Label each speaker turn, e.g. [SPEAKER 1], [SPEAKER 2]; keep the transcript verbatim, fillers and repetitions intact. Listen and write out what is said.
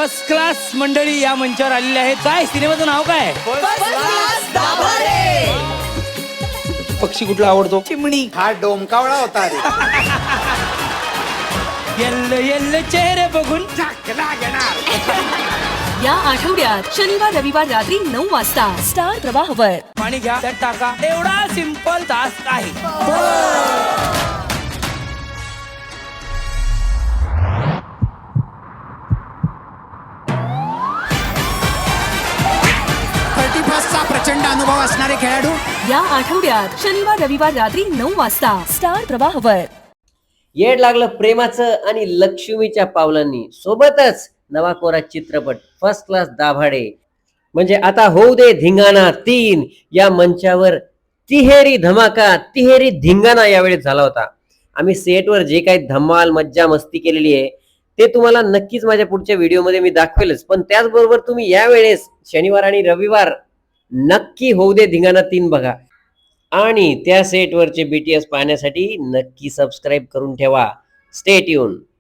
[SPEAKER 1] First class मंडळी या मंचावर आलेली आहेत. काय सिनेमाचं नाव काय? पक्षी कुठला आवडतो?
[SPEAKER 2] चिमणी.
[SPEAKER 3] हा डोमकावळा होता रे.
[SPEAKER 1] येल्लो येल्लो चेहरे बघून
[SPEAKER 4] या आठवड्यात शनिवार रविवार रात्री नऊ वाजता स्टार प्रवाहवर.
[SPEAKER 1] पाणी घ्या त्यात टाका, एवढा सिंपल टास्क आहे.
[SPEAKER 2] थर्टी फर्स्टचा प्रचंड अनुभव असणारे खेळाडू
[SPEAKER 4] या आठवड्यात शनिवार रविवार रात्री नऊ वाजता स्टार प्रवाहवर.
[SPEAKER 5] येड लागलं प्रेमाचं आणि लक्ष्मीच्या पावलांनी सोबतच नवा कोरा चित्रपट फर्स्ट क्लास दाभाडे म्हणजे आता होऊ दे धिंगाणा तीन या मंचावर तिहेरी धमाका तिहेरी धिंगाणा यावेळी झाला होता. आम्ही सेटवर जे काही धमाल मज्जा मस्ती केलेली आहे ते तुम्हाला नक्कीच माझ्या पुढच्या व्हिडिओमध्ये मी दाखवेलच. पण त्याचबरोबर तुम्ही यावेळेस शनिवार आणि रविवार नक्की होऊ दे धिंगाणा तीन बघा आणि त्या सेटवरचे बीटीएस पाहण्यासाठी नक्की सबस्क्राईब करून ठेवा. Stay tune.